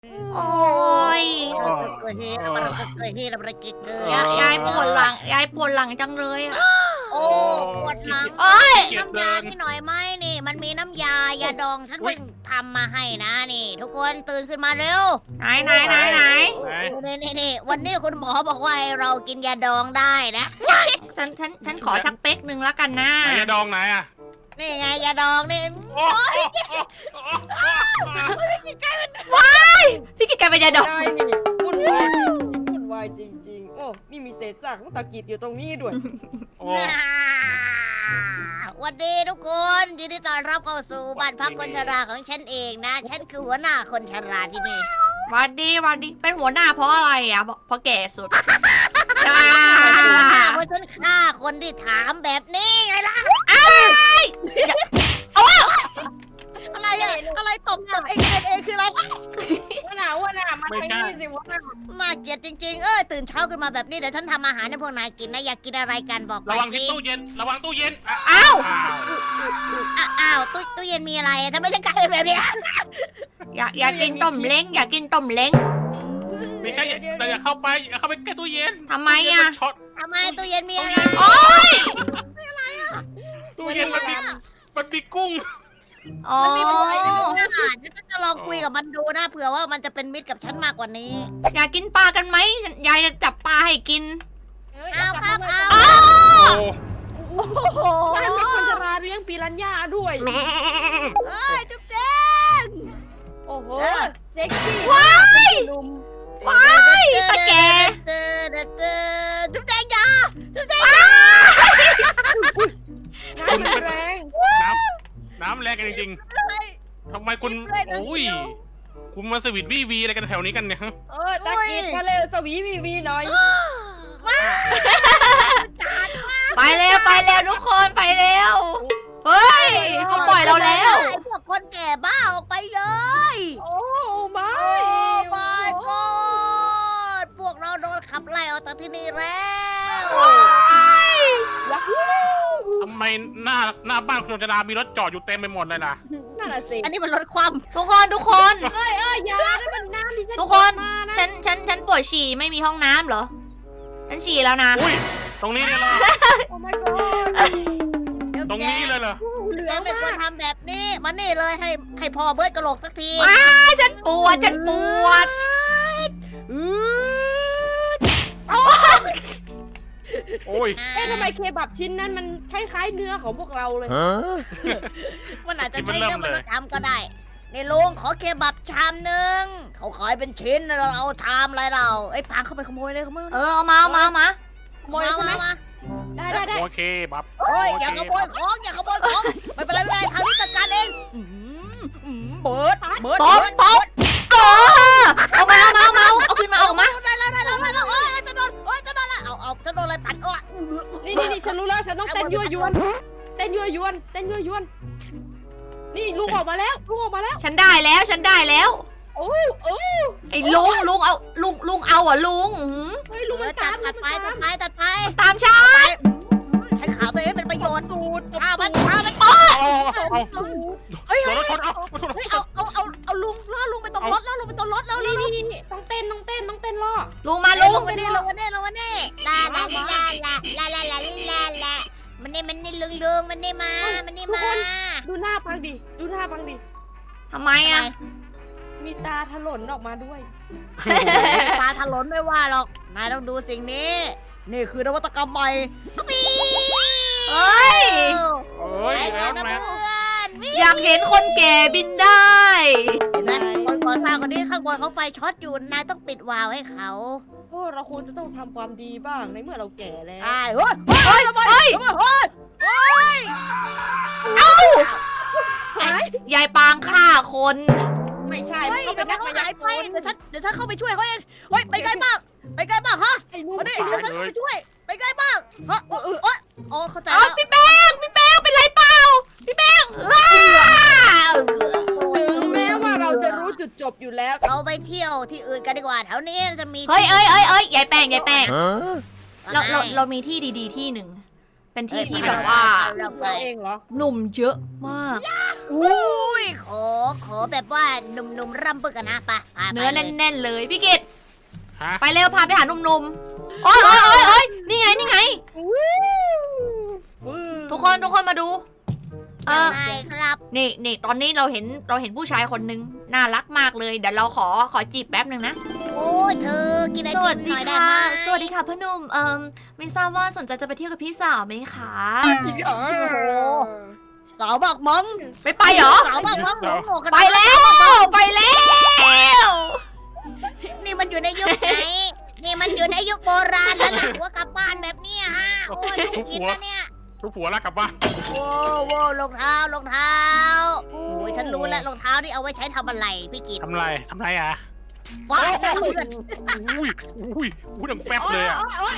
โอ้ยเกิดเหตุอะไรเกิดเหตุอะไรเกิดยายปวดหลังยายปวดหลังจังเลยอะโอ้ปวดหลังโอ้ยน้ำยาที่หน่อยไหมนี่ มันมีน้ำยายาดองฉันเพิ่งทำมาให้นะนี่ ทุกคนตื่นขึ้นมาเร็วไหนนี่วันนี้คุณหมอบอกว่าให้เรากินยาดองได้นะฉันขอสักเป๊กหนึ่งแล้วกันนะไหนยาดองไหนอ่ะนี่ไงยาดองนี่โอ้โหว้ายพี่กิจกลายเป็นยาดองได้นี่วุ่นวายวุ่นวายจริงๆ โอ้นี่มีเศษซากของตะกิดอยู่ตรงนี้ด้วยโอ้วันดีทุกคนยินดีต้อนรับเข้าสู่บ้านพักคนชราของฉันเองนะ ฉันคือหัวหน้าคนชราที่นี่วันดีเป็นหัวหน้าเพราะอะไรอ่ะเพราะแก่สุดเพราะฉันฆ่าคนที่ถามแบบนี้ไงล่ะอะไรอะอะไรตบเองคืออะไรว่าหนามาทางนี้สิว่าหนาน่าเกลียดจริงๆ ตื่นเช้าขึ้นมาแบบนี้เดี๋ยวฉันทำอาหารให้พวกนายกินนะอยากกินอะไรกันบอกระมาวังที่สิตู้เย็นระวังตู้เย็นอ้าวอ้าวตู้เย็นมีอะไรทำไมฉันกลายเป็นแบบนี้อยากกินต้มเล้งอยากกินต้มเล้งไม่ใช่เราอย่าเข้าไปอย่าเข้าไปใกล้ตู้เย็นทำไมอ่ะช็อตทำไมตู้เย็นมีอะไรโอ๊ยตู้เย็นมันมีกุ้งอ๋อมันมีอะไรในอาหารฉันจะลองคุยกับมันดูนะเผื่อว่ามันจะเป็นมิตรกับฉันมากกว่านี้อยากกินปลากันไหมยายจะจับปลาให้กินเอาครับเอาอ้าวโอ้โอ้โหบ้านเป็นคนชราเลี้ยงปีรัญญาด้วยเฮ้ยจุ๊บแจ๊งโอ้โหเซ็กซี่ว้ายหนุ่มว้ายตาแกจุ๊บแจ๊งยาจุ๊บแจ๊งอ้าน้ำมันแรงน้ำแรงกันจริงๆทำไมคุณโอ้ยคุณมาสวิตวีอะไรกันแถวนี้กันเนี่ยฮะตะกิดมาเร็วสวีวีหน่อยไปเร็วทุกคนไปเร็ว เฮ้ยเขาปล่อยเราแล้วพวกคนแก่บ้าออกไปเลยโอ้ไม่โอ้ my god พวกเราโดนขับไล่ออกจากที่นี่แล้วยักษ์ทำไมหน้าบ้านคุณจรามีรถจอดอยู่เต็มไปหมดเลยล่ะนั่นน่ะสิอันนี้มันลดความทุกคนยาได้มันน้ำที่ฉันทุกคนมานะฉันปวดฉี่ไม่มีห้องน้ำเหรอ ฉันฉี่แล้วนะอุ้ยตรงนี้เลยเหรอโอ้ my god ตรงนี้เลยเหรอเหลืแกองไม่ควรมากทำแบบนี้มานี่เลยให้พ่อเบิร์ดกระโหลกสักทีอ้าฉันปวดโอ้ยทำไมเคบับชิ้นนั้นมันคล้ายๆเนื้อของพวกเราเลยมันอาจจะใช้เรื่องมนุษย์ทำก็ได้ในลุงขอเคบับชามหนึ่งเขาขายเป็นชิ้นเราเอาชามอะไรเราไอ้ยพังเข้าไปขโมยเลยขโมยเอามาขโมยใช่ไหมมาได้โอเคบับเฮ้ยอย่าขโมยของอย่าขโมยของไม่เป็นไรทางนี้จัดการเองเบิร์ดตบเอามาเอาขึ้นมาออกมาได้แล้วโอ้ยจะโดนจะโดนแล้วเอาจะโดนอะไรปัดโอ้ยนี่ฉันรู้แล้วฉันต้องเต้นยั่วยวนนี่ลุงออกมาแล้วฉันได้แล้วโอ้ไอ้ลุงเอาลุงเอาอ่ะลุงเฮ้ยลุงมันตัตามดไปตามฉันใช้ขาตัวเองเป็นประโยชน์ตูดมันเอาเฮ้ยโดนรถชนเอาเอาลุงล่อลุงไปตรงรถแล้วลุงไปตรงรถแล้วนี่ต้องเต้นล่อลุงมาลุงลงมานี่ลงมานี่ลามันนี่ลุงมันนี่มาดูหน้าพังดิทำไมอ่ะมีตาถลนออกมาด้วยตาถลนไม่ว่าหรอกนายต้องดูสิ่งนี้นี่คือนวัตกรรมใหม่เฮ้ยเอ้ยไอ้แล้วนะแม่เพื่อนอยากเห็นคนแก่บินได้เห็นไหมคนก่อสร้างคนนี้ข้างบนเขาไฟช็อตอยู่นายต้องปิดวาล์วให้เขาโอ้เราควรจะต้องทำความดีบ้างในเมื่อเราแก่แล้วใช่เฮ้ยยายปางฆ่าคนไม่ใช่เฮ้มันยก็เป็เดี๋ยนวนักเขามายาหายกไปลเดี๋ยวฉันเข้าไปช่วยเขาเองเฮ้ยไปไกลมากฮะไอ้ลุงมาดิเดี๋ยวฉันเข้าไปช่วยไปไกลมากฮะโอ้เข้าใจเอาแล้วพี่แป้งเป็นไรเปล่าพี่แป้งถึงแม้ว่าเราจะรู้จุดจบอยู่แล้วเราไปเที่ยวที่อื่นกันดีกว่าแถวนี้จะมีเฮ้ยยายแป้งเรามีที่ดีๆที่หนึ่งเป็นที่ที่แบบว่าเราไปเราเองเหรอหนุ่มเยอะมากอุ้ยขอแบบว่าหนุ่มๆร่ำปึกกันนะไปไปเนื้อไปลยแน่นๆเลยพี่กิตฮะไปเร็วพาไปหาหนุ่มๆโอ๊ยโอ๊ยโอ๊ยโอ๊ยนี่ไงนี่ไง ทุกคนมาดูใช่ครับนี่ตอนนี้เราเห็นผู้ชายคนนึงน่ารักมากเลยเดี๋ยวเราขอจีบแป๊บหนึ่งนะโอ้ยเธอกินไอสติวัสมหดีน่อยได้ค่ะไหมสวัสดีค่ะพ่อหนุ่มไม่ทราบว่าสนใจจะไปเที่ยวกับพี่สาวไหมคะสาวบอกมองไม่ไปเหรอสาวบอกมองหมูกันไปแล้วไปแล้วนี่มันอยู่ในยุคไหนนี่มันอยู่ในยุคโบราณแล้วล่ะหัวกลับบ้านแบบเนี้ยฮะโอ้ยทุกกินนะเนี่ยทุกผัวรักกลับบ้านโว้รองเท้โอ้ยฉันรู้แล้วรองเท้านี่เอาไว้ใช้ทำอะไรพี่กิตทำไรอ่ะว้าวเพื่อนอุ้ยดังแฟบเลยอ่ะ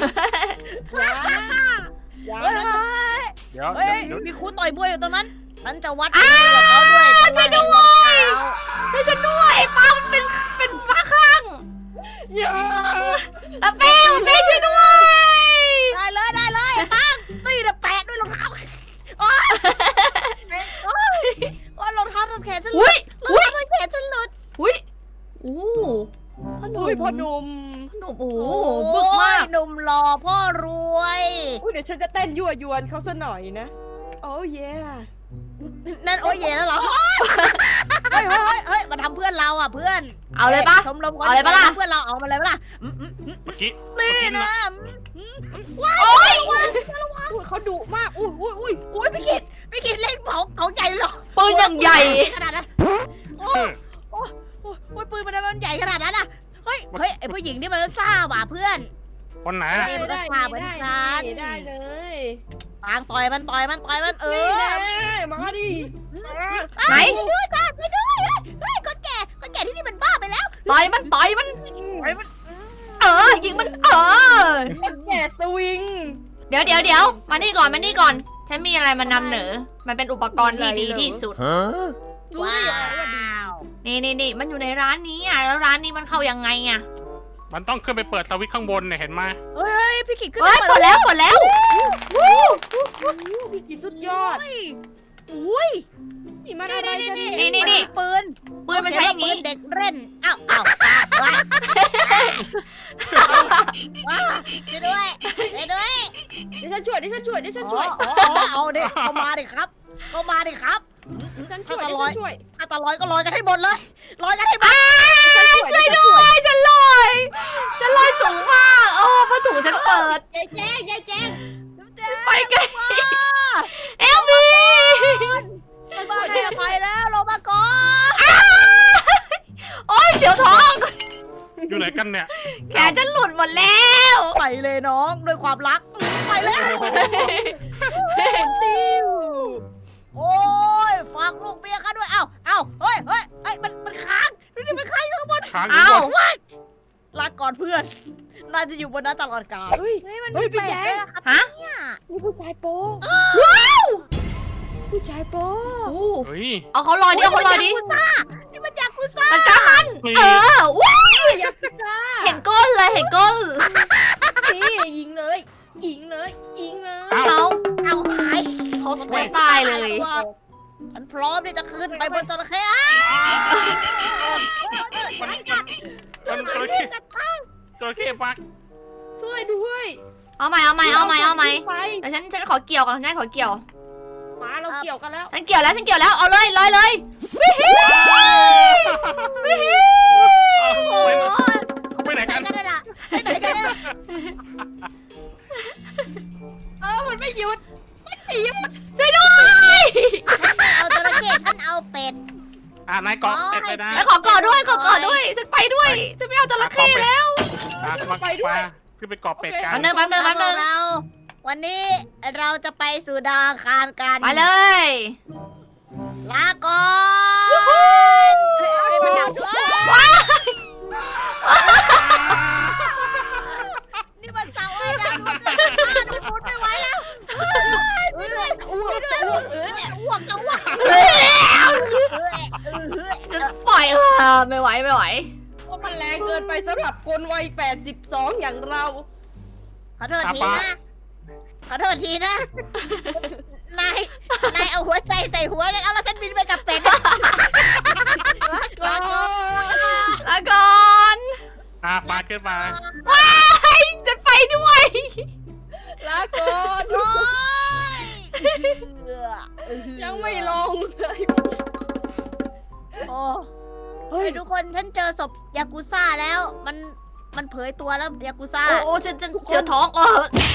อย่าเฮ้ยนะเดี๋ยวเฮ้ยเดี๋ยวมีครูต่อยมวยอยู่ตรงนั้นฉันจะวัดฝีมือกับเขาด้วยช่วยด้วย ช่วยฉันด้วยป้ามันเป็นป้าคลั่งอย่าเป้ช่วยด้วยได้เลยปังตีเดแปะด้วยรองเท้าโอ้ยรองเท้าทำแขนฉันหลุอุ้ดยรองเท้าทำแขนฉันหลุดอุ้ยอู้พ่อหนุ่มอุ้ยพ่อหนุ่มพ่อหนุ่มโอ้โหบึกมากหนุ่มหล่อพ่อรวยอุ้ยเดี๋ยวฉันจะเต้นยั่วยวนเขาซะหน่อยนะ โอ้เย่นั่นโอ้ยเย่แล้วเหรอเฮ้ยมาทำเพื่อนเราอ่ะเพื่อนเอาเลยปะชมรมคนเอาเลยปะล่ะเพื่อนเราเอามาเลยปะล่ะเมื่อกี้นี่นะโอ๊ยอุ้ยเขาดุมาก อุ้ยอุ้ยพี่กิตเล่นเขาใหญ่เลยเหรอปืนอย่างใหญ่ขนาดนั้นโอ้ยปืนมันใหญ่ขนาดนั้นอ่ะเฮ้ยไอผู้หญิงนี่มันซ่าว่ะเพื่อนคนไหนนี่มันก็พาเหมือนกันได้เลยปางต่อยมันเอนี่อแน่มาดิไหนช่วยด้วยค่ะช่วยด้วยเฮ้ยคนแก่ที่นี่มันบ้าไปแล้วต่อยมันยิงมันคนแก่สวิงเดี๋ยวมานี่ก่อนฉันมีอะไรมานำเหนอมันเป็นอุปกรณ์ที่ดีที่สุดรู้ได้ยังไงว่าดีนี่มันอยู่ในร้านนี้อ่ะแล้วร้านนี้มันเข้ายังไงอ่ะมันต้องขึ้นไปเปิดสวิตช์ข้างบนเนี่ยเห็นไหมเฮ้ยพี่กิตขึ้นเฮ้ยหมดแล้ววู้พี่กินสุดยอดอุ้ยนี่มันอะไรกันนี่ปืนปืนมันใช้อย่างนี้ปืนเด็กเล่นอ้าวว้าช่วยด้วยเดี๋ยวฉันช่วยเอาเด็กเข้ามาดิครับฉันช่วยถ้าตะลอยก็ลอยกันให้หมดเลยลอยกันให้หมดช่วยด้วยฉันลอยสูงมากโอ้ผ้าถุงฉันเปิดยายแจ้งไปกันเอลบีไม่บ้าให้อภัยแล้วลงมาก่อนโอ้ยเสียวท้องอยู่ไหนกันเนี่ยแขนฉันหลุดหมดแล้วไปเลยน้องด้วยความรักไปแล้วติ้วโอ้ยฝากลูกเมียข้าด้วยเอ้าเฮ้ยมันค้างนี่มันค้างอยู่ข้างบนค้างอเอ้ายู่บนลาก่อนเพื่อนน่าจะอยู่บนนั้นตลอดกาลเฮ้ยมันเฮ้ยพี่แจ๊คปลกๆนะครับฮะเนี่ยนี่ผู้ชายโป๊ผู้ชายโป๊เฮ้ยเอาเขาลอยดิเอาเขาลอยดินี่มันยากุซ่ามันกล้ามันนี่ว้าวอยากจ้าเห็นก้นเลยเห็นก้นนี่ยิงเลยเอ้าเขาเอาหายเขาตายเลยฉันพร้อมที่จะขึ้นไปบนจระเข้มันจระเข้ปักช่วยด้วยเอาใหม่ไปแต่ฉันขอเกี่ยวก่อนฉันขอเกี่ยวมาเราเกี่ยวกันแล้วฉันเกี่ยวแล้วเอาเลยลอยเลยวิฮิวิฮิไปไหนกันกันน่ะไปไหนกันน่ะมันไม่หยุดช่วยด้วยเอาจระเข้ฉันเอาเป็ดนายเกาะเป็ดไปนะแล้วขอกอดด้วยฉันไปด้วยฉันไม่เอาจระเข้แล้วไปด้วยขึ้นไปเกาะเป็ดกันแป๊บนึงเราวันนี้เราจะไปสู่ดาวอังคารกันไปเลยลาก่อนมันดับด้วยนี่มันเสาไอ้ดำมันพูดไม่ไหวแล้วอ้วกจะอ้วกฉันปล่อยไม่ไหวเพราะมันแรงเกินไปสำหรับคนวัย82อย่างเราขอโทษทีนะขอโทษทีนะ นายเอาหัวใจใส่หัวแล้วฉันบินไปกับเป็ดก่อนลาก่อนปาขึ้นมาว้ายจะไปด้วยลาก่อนโอ๊ยยังไม่ลงเลยโอ้เฮ้ยทุกคนฉันเจอศพยากุซ่าแล้ว มันเผยตัวแล้วยากุซ่าโอ้ฉันเจอท้อง